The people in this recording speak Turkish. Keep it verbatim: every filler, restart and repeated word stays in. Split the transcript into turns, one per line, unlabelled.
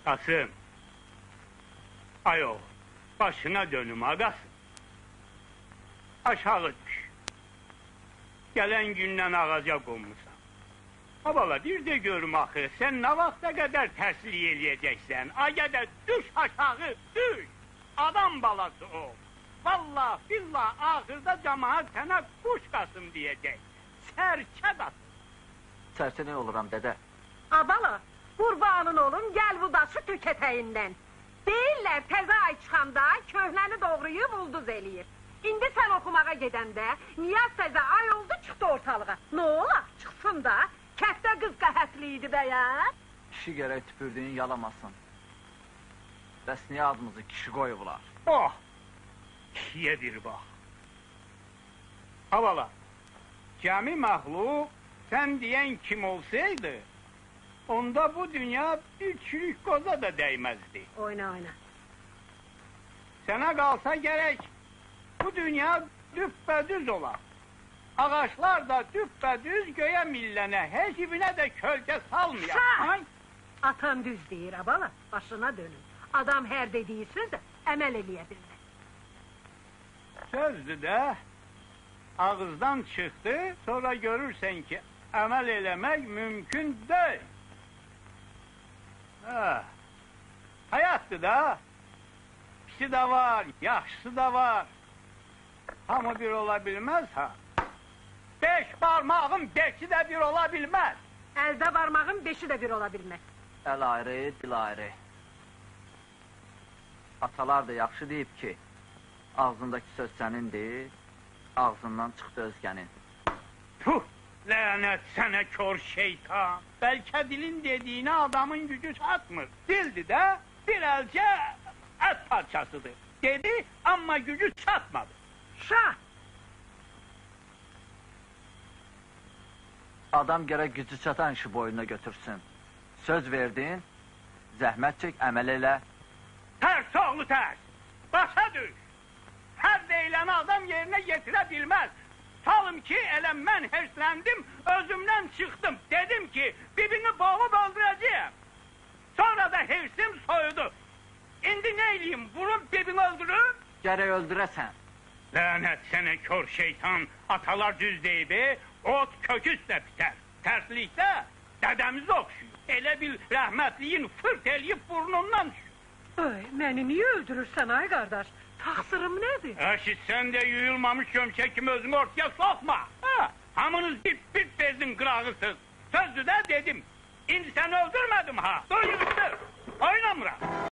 Kasım. Ayol, başına dönüm ağasın. Aşağı düş. Gelen gündən ağaca qonmusan. Ha bala, bir de görüm axı, sen ne vaxta qədər tərslik eləyəcəksən? Aya da düş aşağı, düş! Adam balası o. Vallahi billah ahırda cemaat sənə kuş Kasım diyecek. Serçe Kasım.
Serçe ne oluram dede?
Abala, qurbanın olum, gel bu daşı tük eteğinden. Deyirlər təzə ay çıxanda köhnəni doğrayıb ulduz eləyir. İndi sən oxumağa gedəndə Niyaz təzə ay oldu çıxdı ortalığa. Ne ola, çıxsın da, kəftə qız qəhətli idi bəyən.
Kişi gerek tüpürdüğün yalamasın. Bəs niye adımızı kişi koyublar?
Oh! Kişiye bir bak. Havala, cami mahluk sen diyen kim olsaydı, onda bu dünya bir çürük koza da değmezdi.
Oyna oyna.
Sana kalsa gerek, bu dünya düppedüz olar. Ağaçlar da düppedüz göğe millene, hecibine de kölge salmayan.
Şah! Atan düz deyir abala, başına dönün. Adam her dediği sözü əməl eləyə bilmez.
Sözdü de, ağızdan çıktı, sonra görürsen ki emel eləmek mümkün değil. Ha. Hayattı da, pisi de var, yaxşısı da var. Hamı bir olabilmez ha. Beş parmağın beşi de bir olabilmez.
Əldə barmağın beşi de bir ola bilməz.
El ayrı, dil ayrı. Atalar da yaxşı deyib ki, ağzındaki söz sənindir, ağzından çıxdı özgənin.
Puh! Lanet sana kör şeytan! Belki dilin dediğine adamın gücü çatmır. Dildi de bir elce et parçasıdır. Dedi ama gücü çatmadı.
Şah!
Adam gerek gücü çatan işi boynuna götürsün. Söz verdin, zəhmət çək, əməl elə.
Ters oğlu ters! Başa düş! Her deyileni adam yerine getirebilmez. Salım ki elə mən herslendim, özümden çıktım. Dedim ki birini boğup öldüreceğim. Sonra da hersim soyudu. İndi neyleyeyim, vurup birini öldürüp?
Gərək öldürəsən.
Lanet sene kör şeytan, atalar düz deybi, ot köküsle biter. Terslikte dedemiz okşuyor. Elə bil rahmetliyin fırt eləyip burnundan düşüyor.
Ay, məni niye öldürürsən ay kardeş? Taksırım nedir?
Eşit sen de yuyulmamış gömçek kimi özünü ortaya sokma. Ha, hamınız bir bir bezin kırağısız. Sözlü de dedim. İndi sen öldürmedim ha. Duyuyorsun. Oynamıram.